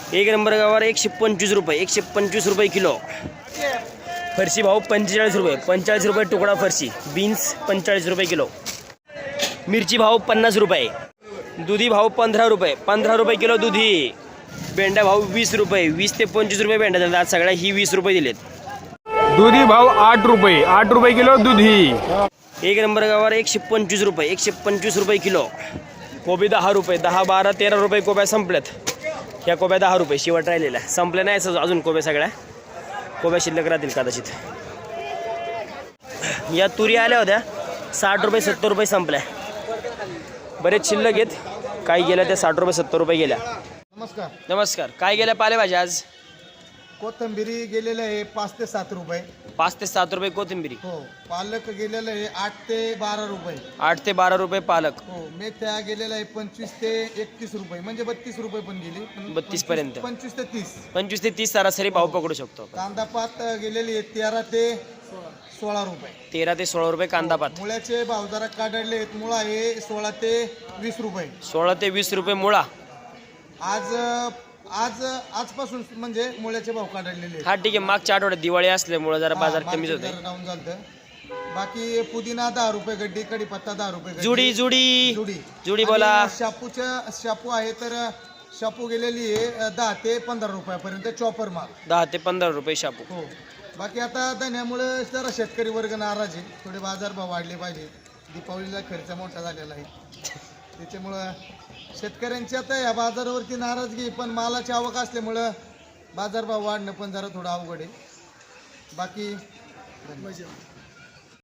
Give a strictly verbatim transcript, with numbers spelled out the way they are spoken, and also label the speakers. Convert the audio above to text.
Speaker 1: एक नंबर गवार एकशे पंचवीस रुपये एकशे पंचवीस रुपये किलो. फरशी भाव पंचेचाळीस रुपये पंचेचाळीस रुपये तुकडा फरशी. बीन्स पंचेचाळीस रुपये किलो. मिरची भाव पन्नास रुपये. दुधी भाव पंधरा रुपये पंधरा रुपये किलो दुधी. भेंडा भाव वीस रुपये वीस ते पंचवीस रुपये भेंडा दिला. आज सगळ्या ही वीस रुपये दिलेत.
Speaker 2: दुधी भाव आठ रुपये आठ रुपये किलो दुधी.
Speaker 1: एक नंबर गवार एकशे पंचवीस रुपये एकशे पंचवीस रुपये किलो. कोबी दहा रुपये दहा बारा तेरा रुपये कोब्या संपल्यात. ह्या कोब्या दहा रुपये शेवट राहिलेल्या. संपल्या नाही असं अजून कोब्या सगळ्या. कोब्या शिल्लक राहतील कदाचित. या तुरी आल्या होत्या साठ रुपये सत्तर रुपये संपल्या. बरेच शिल्लक आहेत. काही गेल्या त्या साठ रुपये सत्तर रुपये गेल्या.
Speaker 3: नमस्कार.
Speaker 1: नमस्कार. काय गेल्या पालेभाज्या आज?
Speaker 3: कोथिंबिरी गेलेलं आहे पाच ते सात रुपये.
Speaker 1: पाच ते सात रुपये कोथिंबिरी.
Speaker 3: हो. पालक गेलेलं आहे आठ ते बारा रुपये.
Speaker 1: आठ ते बारा रुपये पालक.
Speaker 3: हो. मेथ्या गेलेलं आहे पंचवीस ते एकतीस रुपये म्हणजे बत्तीस रुपये पण गेली.
Speaker 1: बत्तीस पर्यंत.
Speaker 3: पंचवीस ते तीस
Speaker 1: पंचवीस ते तीस सरासरी भाव पकडू शकतो.
Speaker 3: कांदा पात गेलेली आहे तेरा ते सोळा रुपये.
Speaker 1: तेरा ते सोळा रुपये कांदा पात.
Speaker 3: मुळ्याचे भाव जरा काढले आहेत. मुळा आहे सोळा ते वीस रुपये.
Speaker 1: सोळा ते वीस रुपये मुळा.
Speaker 3: आज आज आजपासून म्हणजे मुळ्याचे भाव काढलेले
Speaker 1: हा ठीक आहे. मागच्या आठवड्यात दिवाळी असल्यामुळे जरा बाजार कमीच होते.
Speaker 3: डाऊन झालं. बाकी पुदिना दहा रुपये गड्डी. कढीपत्ता दहा रुपये गड्डी.
Speaker 1: जुडी जुडी
Speaker 3: जुडी
Speaker 1: जुडी बोला.
Speaker 3: शापूच्या शापू आहे तर शापू गेलेली आहे दहा ते पंधरा रुपयापर्यंत चॉपर माल.
Speaker 1: दहा ते पंधरा रुपये शापू.
Speaker 3: हो. बाकी आता धन्यामुळे जरा शेतकरी वर्ग नाराज आहे. थोडे बाजारभाव वाढले पाहिजे. दीपावलीला खर्च मोठा झालेला आहे त्याच्यामुळं शेतकऱ्यांची आता या बाजारावरती नाराजगी. पण मालाची आवक असल्यामुळं बाजारभाव वाढणं पण जरा थोडं अवघड आहे. बाकी